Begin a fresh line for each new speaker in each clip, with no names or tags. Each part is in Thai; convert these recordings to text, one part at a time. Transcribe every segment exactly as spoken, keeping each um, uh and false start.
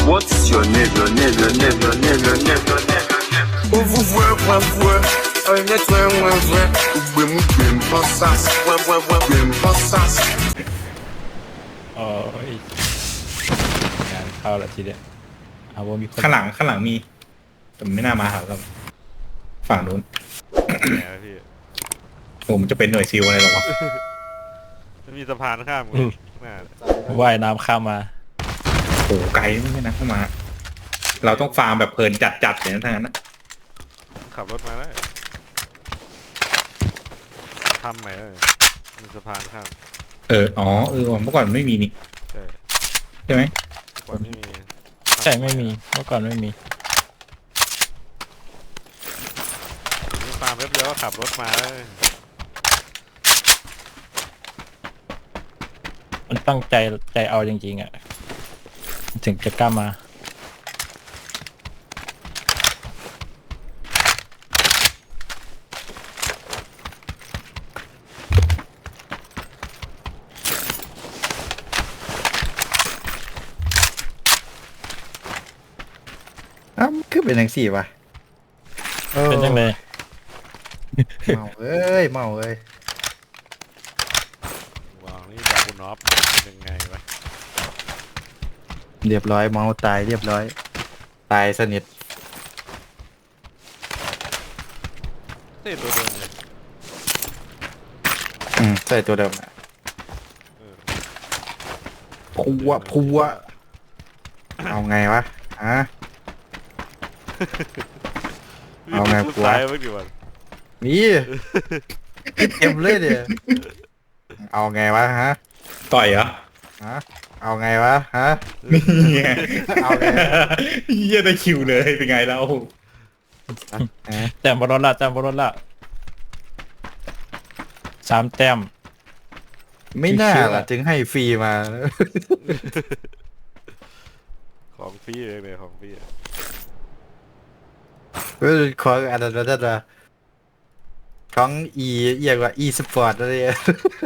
What's your name, your name, your name, your name, your name, your name, your name? Où vous voyez, moi, voyez. Un être, un, moi, voyez. Où vous me bien pensas, moi, moi, moi, bien pensas.
โอ้ยงานเข้าแล้วทีเดียวเอาว่ามีคน
ข้างหลังข้างหลังมีแต่ไม่น่ามาหาเราฝั่งนู้น
ไหนวะพี่
ผมจะเป็นหน่วยซิลอะไรหรอวะ
มันมีสะพานข้ามกันหน้า
ว่ายน้ำข้ามมา
โอ้โหไกลไม่ใช่นะเข้ามา เราต้องฟาร์มแบบเพลินจัดๆเลยนะทั้งนั้นนะ
ขับรถมาแล้วทำใหม่เลยมีสะพานข้าม
เอออ๋อเออเมื่อก่อนไม่มีนี่
ใช่
ใช่ไหม
ก่อนไม่มี
ใช่ไม่มีเมื่อก่อนไม่มี
มีฟาร์มแป๊บเดียวก็ขับรถมาเลย
มันตั้งใจใจเอาจริงๆอ่ะถึงจะกล้ามา
อ้าวคือเป็นอย่างสี่วะออ
เป็นยังไง
เมาเอ้ยเมาเอ้ยว
างนี่จากคุณน็อปเป็นไงวะ
เรียบร้อยเมาตายเรียบร้อย ตายสนิท
เต้ตัวเดิมเลย
อืมใช่ตัวเดิมอะ
เออ
พัวพัวเอาไงวะฮะ เอาไง
พูด
กูวะ
ตายเมื่อกี้วัน
นี่เต็มเลยเดี๋ยวเอาไงวะฮะ
ต่อยเหรอ
ฮะเอาไงวะฮะ
นี่ไง
เอาไง
เยี่ยได้คิวเลยเป็นไงแล้ว
ฮะ
แต้มบอลละแต้มบอลละสามแต้ม
ไม่น่าล่ะถึงให้ฟรีมา
ของฟรีเลยเลยของฟรีอะ
เออของอันนั้นนั่นนะของอีเรียกว่าอีสปอร์ตอะไรอะ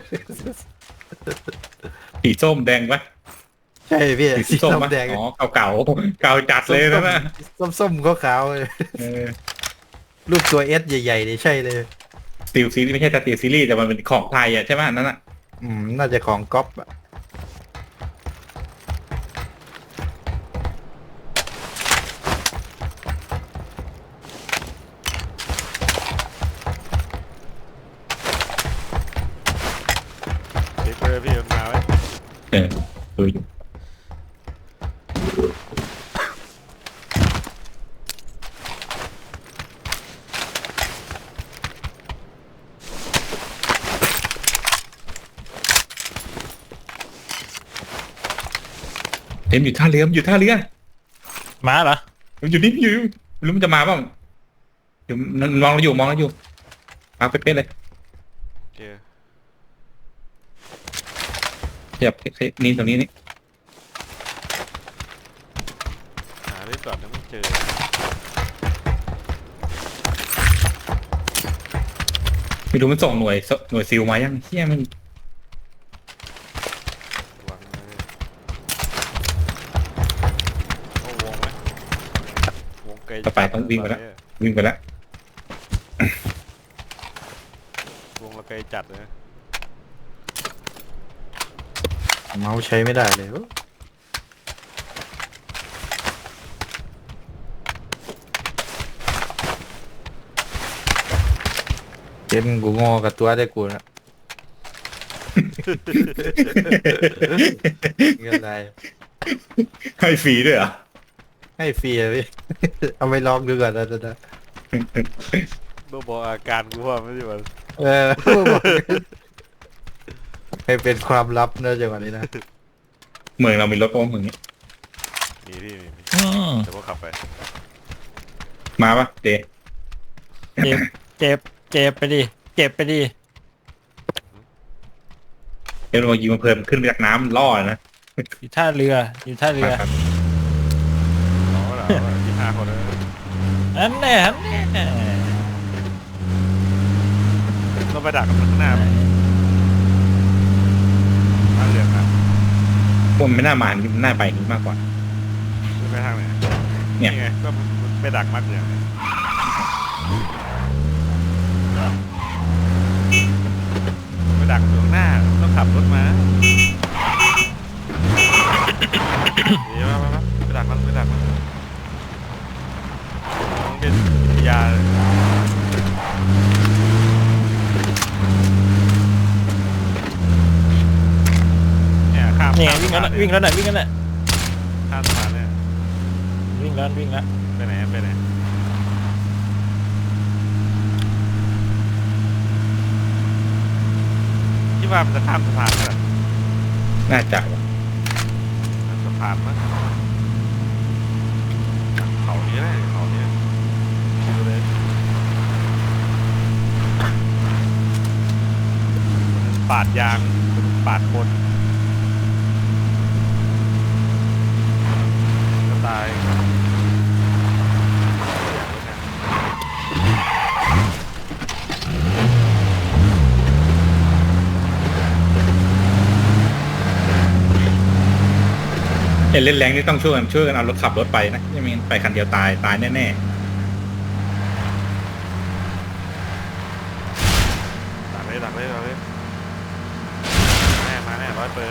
สีส้มแดงปะ
ใช่พี่
สี
สี
ส้ม
ส้ม
ปะ
แดง
อ๋อเก่าๆเก่าจัดเลยนะนะ
ส้มส้มๆขาวๆเลย
เออ
รูปตัวเอสใหญ่ๆนี่ใช่เลย
สตีลซีรีส์ไม่ใช่สตีลซีรีส์แต่มันเป็นของไทยอ่ะใช่ไหมอันนั่นอ่ะ
อืมน่าจะของก๊อปอะ
เด็กเลยพี่มันมาไว้
เออดูอยู่เอ็มอยู่ท่าเรือมันอยู่ท่าเรือ
ม้าเหรอ
มันอยู่นี่มันอยู่ไม่รู้มันจะมาเปล่าอยู่มองเราอยู่มองเราอยู่มาเป๊ะๆเลย
โอเค
ขยับนี่ตรงนี้นี่
หาได้ก่อนนะไม่เจอ
ไม่รู้มันส่งหน่วยหน่วยซิลมายังเฮียมัน
วางเลยโอ้วงไหมวงไกล
ต่อไปต้องวิ่งไปแล้ววิ่งไปแล้ว
วงเราไกลจัดเลยนะ
เมาส์ใช้ไม่ได้เลยโอ้เกมกูงอกับตัวได้กูนะเงินอะไร
ให้ฟรีด้วยเหรอ
ให้ฟรีอะพี่ เอาไปลองดูก่อนนะนะ
เมื่อบอกอาการกูว่าไม่ใช่วัน
เออบอกให้เป็นความลับเนอะจังหวะนี้นะ
เมืองเรามีรถโอ้เมืองนี้
มีพี่มีมี
อืม
แต่ว่าขับไป
มาปะเด
เจ็บเจ็บเจ็บไปดิเจ็บไปดิ
เดี๋ยวเรายิงมาเพิ่มขึ้นมาจากน้ำล่อนะ
อยู่ท่าเรืออยู่ท่าเรือ
ครับ
อ๋อเหรอที่ห้าคนเลย
อันแน่อันแน่
เราไปดักกับมันข้างหน้าไหมท่าเรือครับ
พวกมันไม่น่ามานี่มันน่าไปอย่างนี้มากกว่า
ใช่ไหม
เนี่ย
นี่ไงก็ไปดักมัดอย่างนี้ไปดักตรงหน้าต้องขับรถมาเดี๋ยวมามาไปดักมันไปดักมันต้องเป็นยาเนี่ยข้าม
นี่ไง
ข้าม
วิ่งแล้วน่ะวิ่งแล้วน่ะวิ่งแล้วน่ะ
ข้ามสะพานเนี่ย
วิ่งแล้ววิ่งแล้ว
ไปไหนไปไหนที่ว่ามันจะข้ามสะพานกันเหรอ
น่าจะว่ะ
สะพานมั้งเขานี้แหละเขานี้ดูเลยปาดยางปาดคนก็ตาย
เห็นเล่นแรงนี่ต้องช่วยกันช่วยกันเอารถขับรถไปนะไม่งั้นไปคันเดียวตายตายแน่
ดักเลยดักเลยดักเลยแน่มาแน่ร้อยเปอร์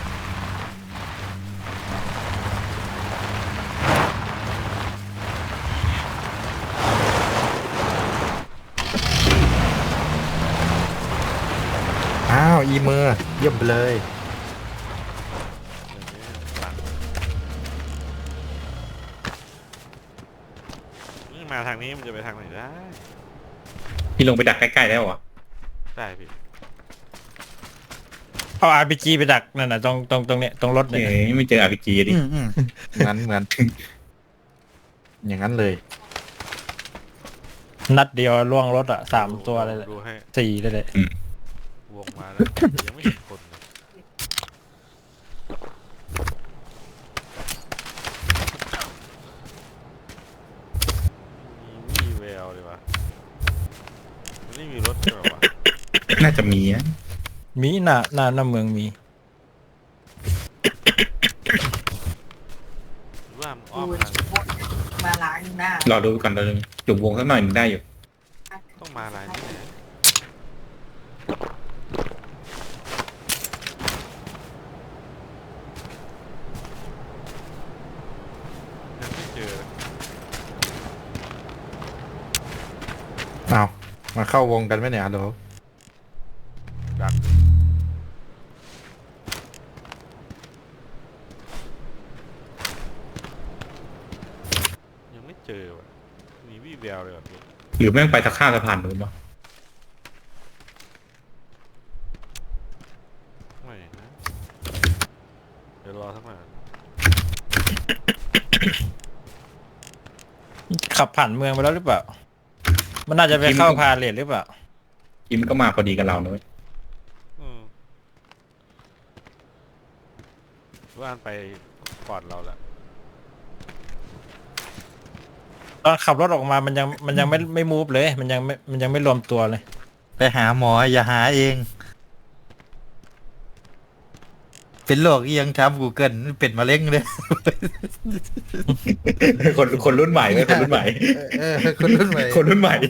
อ้าวอีเมอร์เยี่ยมไปเลย
นี่มาทางนี้มันจะไปทางไหนได้
ๆพี่ลงไปดักใกล้ๆแล้วเหรอ
ได้พี่
เอา อาร์ พี จี ไปดักนั่นน่ะตรงตรงตรงเนี้ยตรงรถเนี่ย
เอ้ยไม่เจออาร์พีจีดิ
อืมอืมเหมือนเหมือนอย่างนั้นเลย
นัดเดียวล่วงรถอ่ะสามตัวเลยแหละ
ดูให้
สี่เลยแหละ
วงมาแล้วยังไม่เห็นคนเลยมีวี่แววเลยวะมันไม่มีรถใช่ไหมวะ
น่าจะมีนะ
มีหน้าหน้าหน้าเมืองมี
หรือว่ามันอ้อมทาง
มาล้างหน้าร
อดูก่อนเลยจุ่มวงสักหน่อยหนึ่งได้อยู่
ต้องมาลายนี้แหละยังไม่เจอ
เอามาเข้าวงกันไหมเนี่ยฮัลโหล
ดักยังไม่เจอว่ะมีวี่แววเลยแบบนี้
หรือแม่งไปตะข้ามสะพานนู้นวะ
ไม่นะเดี๋ยวรอสักหน่อย
ขับผ่านเมืองไปแล้วหรือเปล่า มันน่าจะไปเข้าพาเลทหรือเปล่า
คิมก็มาพอดีกับเรานะเว้ย
อืมว่านไปก่อนเราละ
ตอนขับรถออกมามันยังมันยังไม่ไม่มูฟเลย มันยังไม่มันยังไม่รวมตัวเลย
ไปหาหมออย่าหาเอง เป็นโรคเอียงครับกูเกิลเป็นมะเร็งเลย
คนคนรุ่นใหม่เว้ยคนรุ่นใหม่
เออคนรุ่นใหม่
คนรุ่นใหม่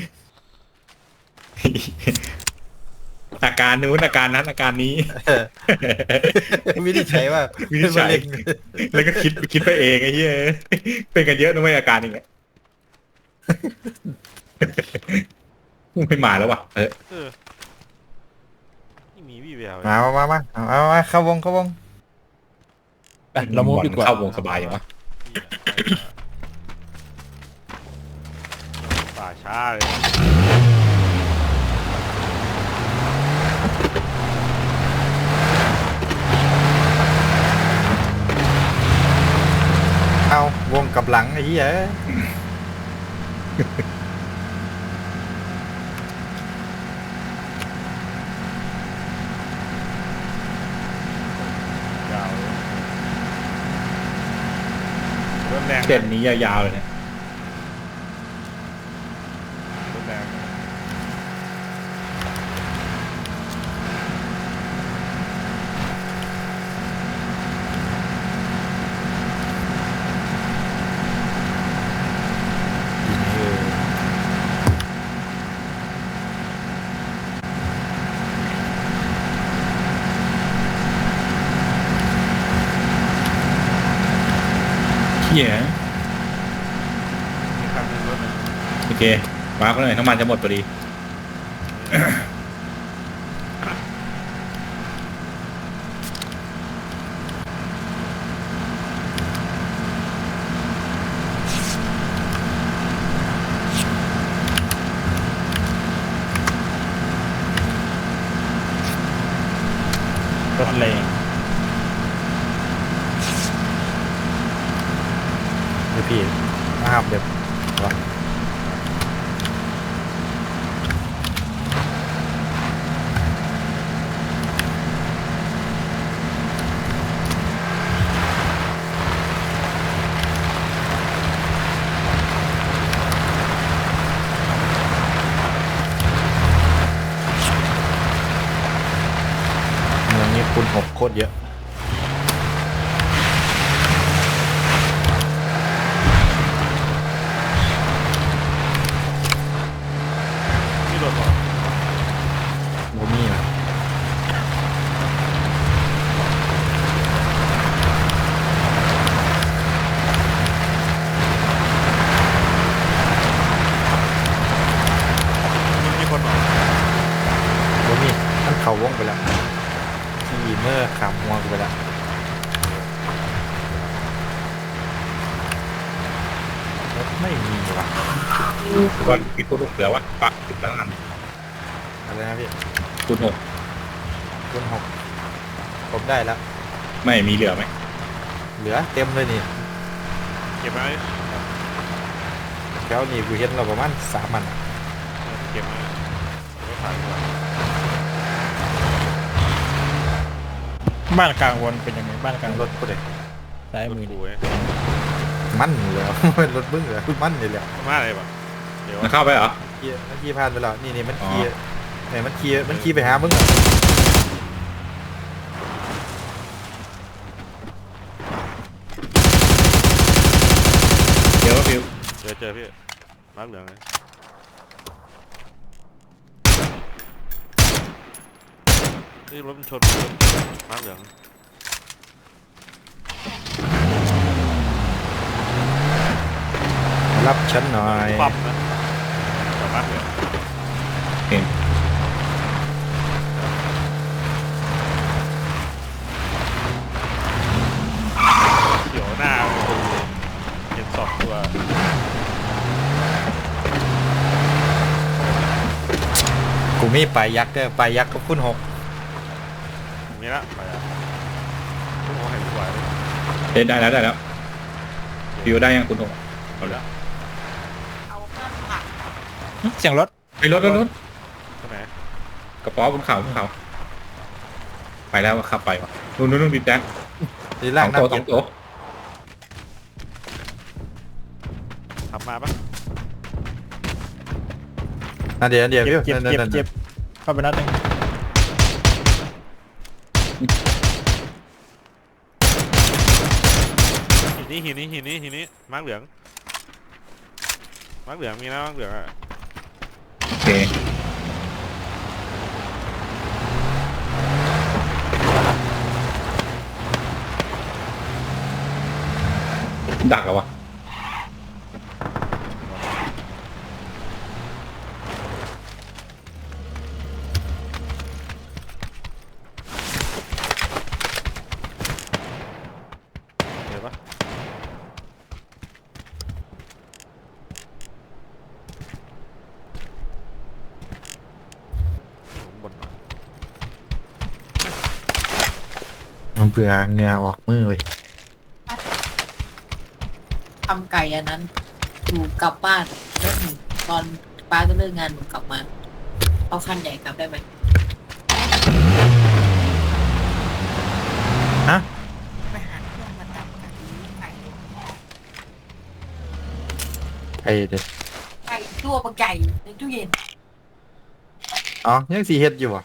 อาการนู้นอาการนั้นอาการนี้
เออวินิจฉัยว่า
วินิจฉัย
เป็นมะเร็ง
แล้วก็คิดคิดไปเองไอ้เหี้ยเป็นกันเยอะนะไม่อาการอย่างเงี้ยไม่มาแล้วว่ะเออ
เออนี่มีวี่แวว
มามามามาเอาเอามาเข้าวงเข้าวง
ไปเรามูฟดีกว่า
เข้าวงสบายอย่างวะ
ป่าช้าเลย
เอาวงกับหลังไอ้เหี้ย
ยาวเลยรถแรง
เส้นนี้ยาวๆเลยเนี่ย
รถแรง
เหี้ย
มีคันหนึงรถหนึ่ง
โอเคมาร์กเลยน้ำมันจะหมดพอดี
รถแรง
เดี๋ยวพี่มาครับเดี๋ยววะ เมืองนี้คุณหกโคตรเยอะ
นี่รถเหรอ
โมมี่นะ
มันมีคนเหรอ
โมมี่ท่านเขาวงไปแล้วขี่เมื่อขามหัวกูไปแล้ว รถไม่มีว่ะ
ก่อนปิดตัวลูกเหลือวะปักปิดแล้วกัน
อะไรนะพี่
คุณหก
คุณหกผมได้แล้ว
ไม่มีเหลือไหม
เหลือเต็มเลยนี่
เก็บไว้
แถวนี้กูเห็นเราประมาณสามมันอะ
เก็บไว้เก็บไว้ขายดีกว่า
บ้านกลางวนเป็นยังไงบ้านกลาง
รถกูเลย
ซ้าย
รถ
มือ
กู
ดิ
เว้ย
มันอยู่แล้ว เป็นรถมึงเหรอมันอยู่แล้ว
มาอะไรปะเดี๋ยว
มันเข้าไปเหรอ
ขี่มันขี่ผ่านไปแล้วนี่นี่มันขี่
อ๋อ
ไหนมันขี่มันขี่ไปหามึงอะ
เดี๋ยวฟิว
เจอเจอพี่มาร์คเหลืองเลยนี่รถมันชนมาร์คเหลือง
รับฉันหน่อย
ปั๊มนะแต่มาร์คเหลือง
เห็น
เขียวหน้าเห็นสองตัว
กูมีปลายยักษ์เด้อปลายยักษ์ก็คุณหก
มีละไปอ่ะโอ้โหเห็นสวยเลย
เห็นได้แล้วได้แล้วฟิวได้ยังคุณหกเอาละ
เอาข้ามผัก
เสียงรถ
ไปรถรถรถ
ใช่ไหม
กระป๋อบนเขาบนเขาไปแล้วขับไปวะนู่นนู่นนู่นดิแจ๊ค
ดี
ส
ล่า
อง ง
น้ำ
ตัวส
เย็
อน งตัว
ขับมาปะ
น่าเดี๋ยวเดี๋ยว
เจ็บ
พี่
เจ็บ
นั่น
เจ็บ
นั่น
เจ็บเข้าไปนัดหนึ่ง
หินนี้หินนี้หินนี้หินนี้มาร์คเหลืองมาร์คเหลืองมีนะมาร์คเหลืองอ่ะ
โอเคดักเหรอวะ
เห็นปะผมบนมา
มันเบื่อเหงื่อออกมือเลย
ทำไก่อันนั้นหนูกลับบ้านแล้วหนูตอนป้าจะเลิกงานหนูกลับมาเอาคันใหญ่กลับได้ไหม
ฮะ
ไปหาเครื่องมาตัดไก่ไก่
ไอ้เด็ก
ไก่ตัวปลาไก่ในตู้เย็น
อ๋อยังสีเฮ็ดอยู่อ่ะ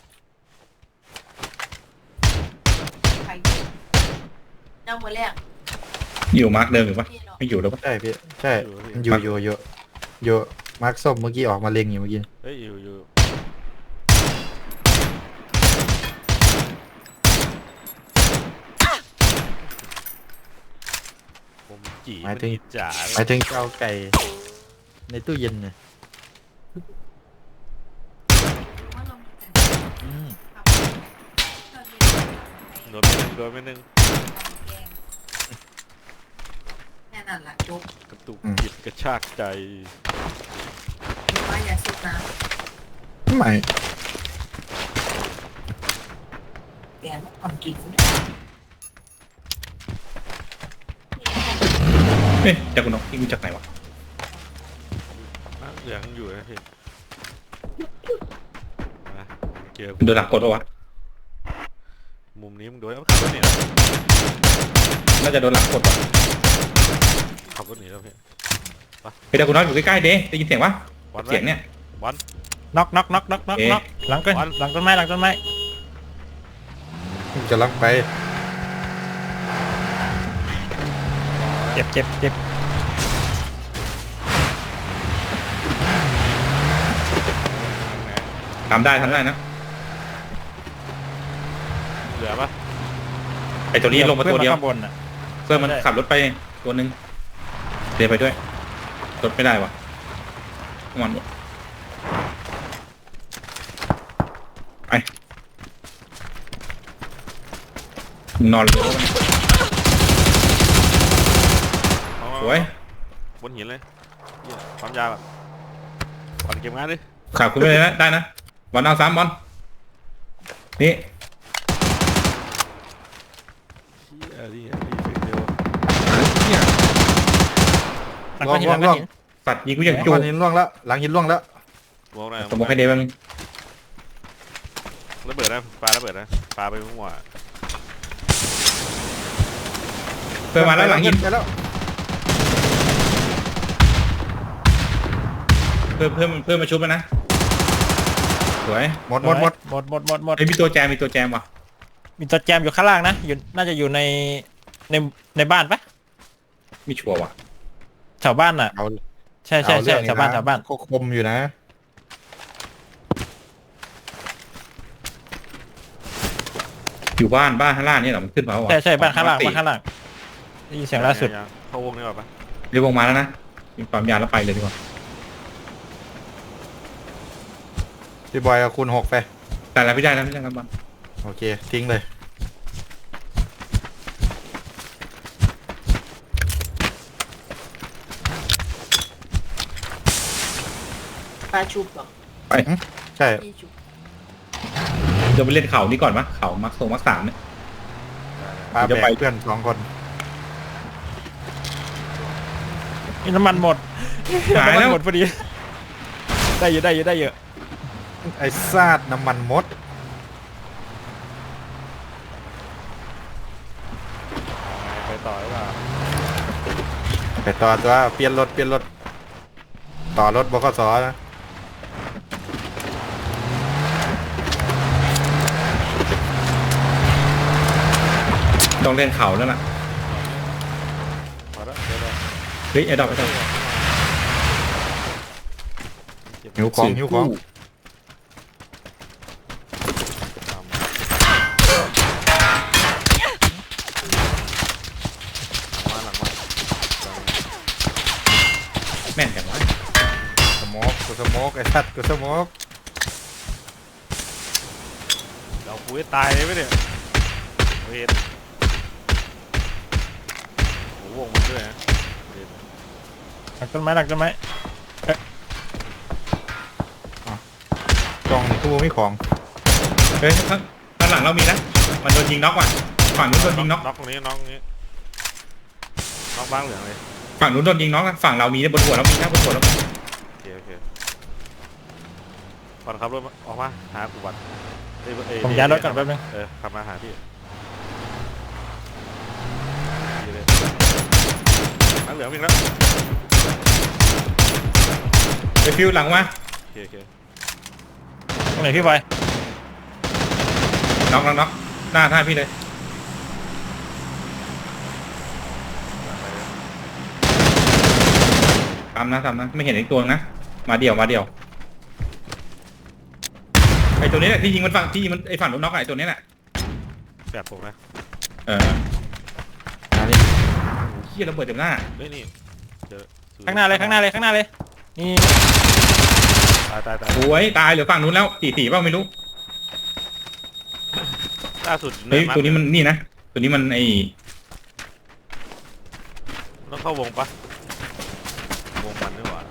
ไก่เจ้ามือแรก
อยู่มาร์กเดิมอยู่ปะ
พี่เนาะ
ไม่อยู่แล้วปะ
ใช่พี่ใช่มันอยู่อยู่อยู่อยู่มาร์คส้มเมื่อกี้ออกมาเล็งอยู่เมื่อกี้
เฮ้ยอยู่อยู่ผผมจี
หมายถึง
นจ๋า
หมายถึงเจ้าไก่ในตู้เย็นเนี่ย
ว่าเรามีแต่
อืม
ทำเครื่องเย็น
โดนไปหนึ่งโดนไปหนึ่ง
แค่นั้นแหละจบ
กระตุกจิตกระชากใจ
หรือว่าอย่าซุกน้
ไม่
ำเปลี่ยนอ่อนกิน
เฮ้ยจากคุณนกที่รู้จากไหนวะ
น้ำเหลืองอยู่นะพี่มาเจอ
โดนหลักกดปะวะ
มุมนี้มึงโดนเอาขับรถหนีแล้ว
น่าจะโดนหลักกดปะ
ขับรถหนีแล้วพี่
เฮ้ยจากคุณนกอยู่ใกล้ๆเด้ได้ยินเสียงปะ
วัน
เสียงเนี่ย
วัน
น็อกน็อกน็อกน็อกน็อก
เอ๊ะ
น็อกหลังต้นหลังต้นไม้หลังต้นไม้
จะลักไป
เจ็บเจ็บเจ็บ
ทำได้ทำได้นะ
เหลือปะ
ไอตัวนี้ลงมาตัวเดียว
ข้างบนอ่ะ
เพื่อนมัน
ได้
ขับรถไปตัวหนึ่งเดินไปด้วยรถไม่ได้วะมันไปนอนเลย
เอา
สวย
บนหินเลยเหี้ยความยาวอ่ะก่อนเก็บงานดิ
ขับคุณไปเลยนะได้นะบอลเอาสามบอลนี่
เชี่ยนี่นี่เฟกเดียว
หลังก้อนหินหลังก้อนหิน
สัตว์ยิงกูอย่าง
หลัง
จู
หินล่วงแล้วหลังหินล่วงแล้ว
มองได้
สมมติให้เดมัน
ระเบิดนะปลาระเบิดนะปลาไปมั่ว
เพื่อนมาแล้วหลังหิน
ไปแล้ว
เพื่อนเพื่อนเพื่อนมาชุบแล้วนะสวย
หมดหมดหมด
หมดหมดหมดหมด
ไอ้ยมีตัวแจมมีตัวแจมว่ะ
มีตัวแจมอยู่ข้างล่างนะอยู่น่าจะอยู่ในในในบ้านปะ
มีชัวร์ว่ะ
แถวบ้านอ่ะ
เอา
ใช่ใช่
เอ
ใช่
เรื่อง
แถวบ้าน
ะ
แถวบ้าน
ก็คมอยู่นะ
อยู่บ้านบ้านข้างล่างนี่เหรอมันขึ้นมาวะ
ใช่ใช่บ้านข้างล่าง
ปกติ
บ้านข้างล่างได้ยินเสียงล่าสุด
ยังๆเข้าวงนี่ก่อนปะ
เรียกวงมาแล้วนะมีความยาวแล้วไปเลยดีกว่า
พี่บอยเอาคูณหกไป
แต่แล้วพี่ได้แล้วพี่ได้แล้วบอล
โอเคทิ้งเลย
ปลาชุบเหรอ
ใช่
พี่ชุบ
เดี๋ยวไปเล่นเขานี่ก่อนปะเขามักโซมักสามเนี่ย
พา
จะ
แบ
ไป
กเพื่อนสองคน
มีน้ำมันหมด
หาย
น้ำมั
แล้ว
นหมดพอดีได้เยอะได้เยอะได้เยอะ
ไอ้ซาดน้ำมันมด
ไปต่อหรือเปล่า
ไปต่อตัวเปลี่ยนรถเปลี่ยนรถต่อรถบขสนะ
ต้องเล่นเขาแล้วล่ะ
พอแล้วเดี๋ยวเดี๋ยว
เฮ้ยไอ้ดอกไอ้ดอก
หิวของหิวของ
มาหลังมา
แม่นจังวะ
สโมกกูสโมกไอ้สัตว์กูสโมก
เราคุยตายเลยไหมเนี่ยเวทโอ้โหวงมันด้วยนะเวท
หลังต้นไม้หลังต้นไม้
กล่องตู้ไม่ของ
เฮ้ยข้างข้างหลังเรามีนะมันโดนยิงน็อกว่ะฝั่งนู้นโดนยิงน็อก
น็อกตรงนี้น็อกตรงนี้น็อกบ้างเหลืองเลย
ฝั่งนู้นโดนยิงน็อกอะฝั่งเรามีนะบนหัวเรามีนะบนหัวเรามี
โอเคโอเคก่อนขับรถออกมาหากูบัตรเอ้ยเอ้
ผมย้ายรถก่อนแป๊บนึง
เออขับมาหาพี่ดีเลยน้ำเหลืองวิ่งแล้ว
ไปฟิวหลังมา
โอเคโอเค
ตรงไหนพี่บอย
น็อกน็อกน็อกหน้าท่าพี่เลยทำนะทำนะไม่เห็นอีกตัวนะมาเดี่ยวมาเดี่ยวไอตัวนี้แหละที่ยิงมันฝั่งที่ยิงมันไอฝั่งรถน็อกอะไอตัวนี้แหละ
แบบผมนะ
เออ
อันนี้
ข
เฮียระเบิดเต็มหน้า
เฮ้ยนี่เจอ
ข้างหน้าเลยข้างหน้าเลยข้างหน้าเลยนี่
ตายตายตาย
โอ้ยตายเหลือฝั่งนู้นแล้วสี่สี่เปล่าไม่รู้
ล่าสุด
เฮ้ยตัวนี้มันนี่นะตัวนี้มันไอ
ต้องเข้าวงปะวงมันนี่หว่า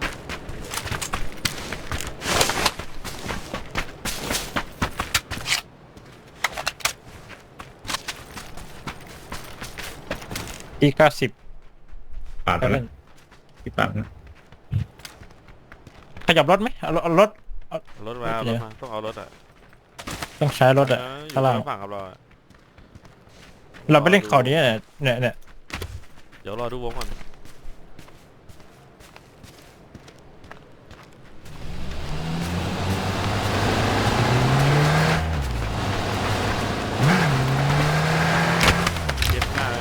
อีเก้าสิบ
ปาดแล้วพี่ปาดนะ
ขยับรถไหมเอาเอารถ
รถมาเอารถมาต้องเอารถอ่ะ
ต้องใช้รถอะ
เอออยู่
ข้างล่าง
ฝั่งกับเราอะ
เราไปเล่นเขานี้เนี่ยเนี่ยเนี่ย
เดี๋ยวรอดูวงก่อนเจ็บหน้าเลย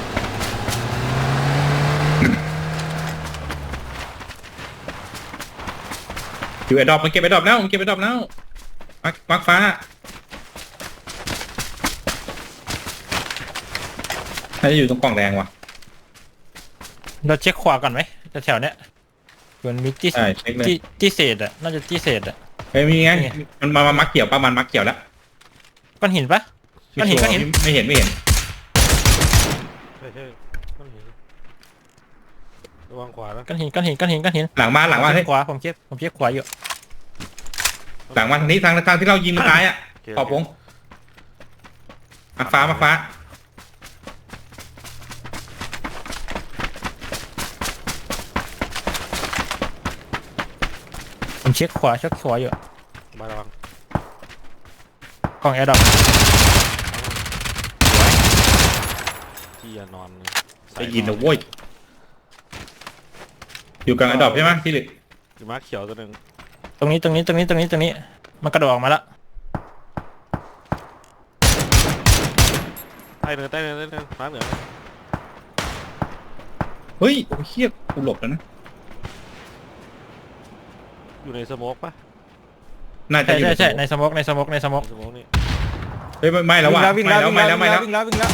อยู่ไอ้ดอกมันเก็บไอ้ดอกแล้วมันเก็บไอ้ดอกแล้วมักมักฟ้าน่าจะอยู่ตรงกล่องแดงว่ะ
เราเช็คขวาก่อนไหมแถวๆเนี้ยมันมีที่
ใช่เช็คเลย
ที่ที่เศษอะน่าจะที่เศษอะ
เฮ้ยมีไง
นี่ไง
มันมามามักเกี่ยวปะมันมักเกี่ยวแล้ว
ก้อนหินปะ ก้อนหินก้อนหิน
ไม่เห็นไม่เห็น
ใช่ใช่ต้องเห็นระวังขวานะ
ก้อนหินก้อนหินก้อนหินก้อนหิน
หลังมาหลังมา
ผม
เฮ้
เช็
ย
คขวาผมเช็คผมเช็คขวาอยู่
หลังมาทางนี้ทางทางที่เรายิงมันตายอ่ะ
โเค
ขอบวงมักฟ้ามักฟ้า
ผมเช็คขวาเช็คขวาอยู่
มาระวัง
กล่องแอร์ดรอป
ที่อย่านอนเลย
ได้ยินนะโว้ยอยู่กลางไอ้ดอกใช่ไหมพี่หลึก
อยู่มาร์คเขียวตัวหนึ่ง
ตรงนี้ตรงนี้ตรงนี้ตรงนี้ตรงนี้มันกระโดดออกมาแล้ว
ใต้เนินใต้เนินใต้เนินมาร์คเหนือ
เฮ้ยโอ้ยเฮียกูหลบแล้วนะ
อยู่ในสโมกปะ
น่าจะ
ใช่
อยู่
ใช่ใช่ในสโมกในสโมกในสโมก
ในสโมกนี่
เฮ้ยไม่ไม่แล้วว่ะ
วิ่ง
ไม่
แล้ว
แล้ว
วิ่ง
ไม่
แล้ว
แล้ว
วิ่
ไม่
ง
แล้ว
แล้ววิ่งแล้ววิ่งแล้ว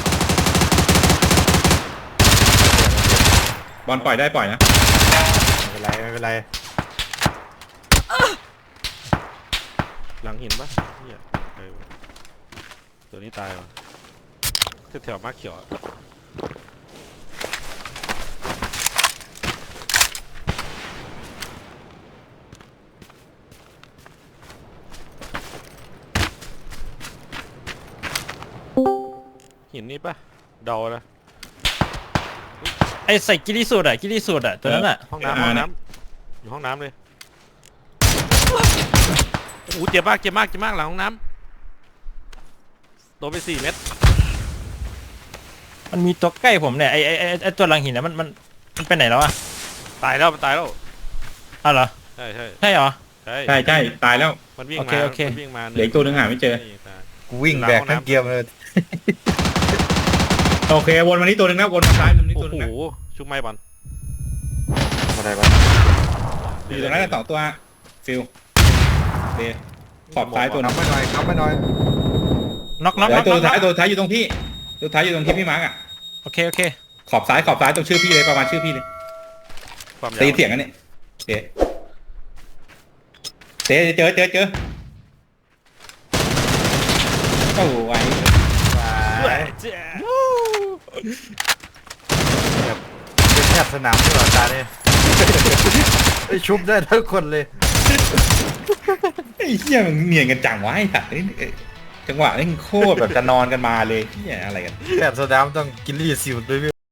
บอลปล่อยได้ปล่อยนะ
ไม่เป็นไรไม่เป็นไร
หลังหินปะเหี้ยเออตัวนี้ตายว่ะแถวๆมาร์คเขียวอะหินนี่ปะเดานะ
ไอใส่กิริสูดอะกิริสูดอะตัวนั้นอะ
ห้องน้ำห้องน้ำอยู่ห้องน้ำเลยโอ้โหเจ็บมากเจ็บมากเจ็บมากหลังห้องน้ำโดนไปสี่เม็ด
มันมีตัวใกล้ผมเนี่ยไอไอไอ้ไอตัวหลังหินนะมันมันมันไปไหนแล้วอะ
ตายแล้วมันตายแล้ว
อ้าวเหรอ
ใช่ใช่
ใช่เหรอ
ใช่
ใช่ใช่ตายแล้ว
มันวิ่ง
โอ
มา
เคโอเค
มันวิ่งมา
เหลืออีกตัวหนึ่งหาไม่เจอ
นี่ตาย
กูวิ่งแบกทั้งเกียร์เลย
โอเควนมานี่ตัวหนึ่งนะวนมาซ้ายมุมนี้
โอ้
ตัวหนึ่ง
โห
นะ
ชุบไม้บอล
อะไรวะ
อยู่ตรงนั้นนะสองตัวฟิลเดขอบซ้ายตัวหนึ
นับ
ง
ไม่หน่อยนับไม่หน่อย
น็อกน็อก
เดี๋
น็
ย
อ
ว
ก
ตัว
น็
สุดท้าย
อก
ตัวสุดท้ายอยู่ตรงพี่ตัวสุดท้ายอยู่ตรงที่พี่มาร์กอ่ะ
โอเคโอเค
ขอบซ้ายขอบซ้ายตรงชื่อพี่เลยประมาณชื่อพี่เลย
ความยาว
ตีเถียงกันเนี่ยเตะเตะเจอเจอเจอโอ้ไว้
เฮ้ยเจ๊
เป็นแทบสนามที่หลอดตาเนี่ยไอชุบได้ทั้งคนเลย
ไอ้เหี้ยมันเนียนกันจังวะไอ้สัตว์นี่เอ้ยจังหวะนี่โคตรแบบจะนอนกันมาเลยเหี้ยอะไรกัน
แทบสนามต้องกินรีสิวด้วยพี่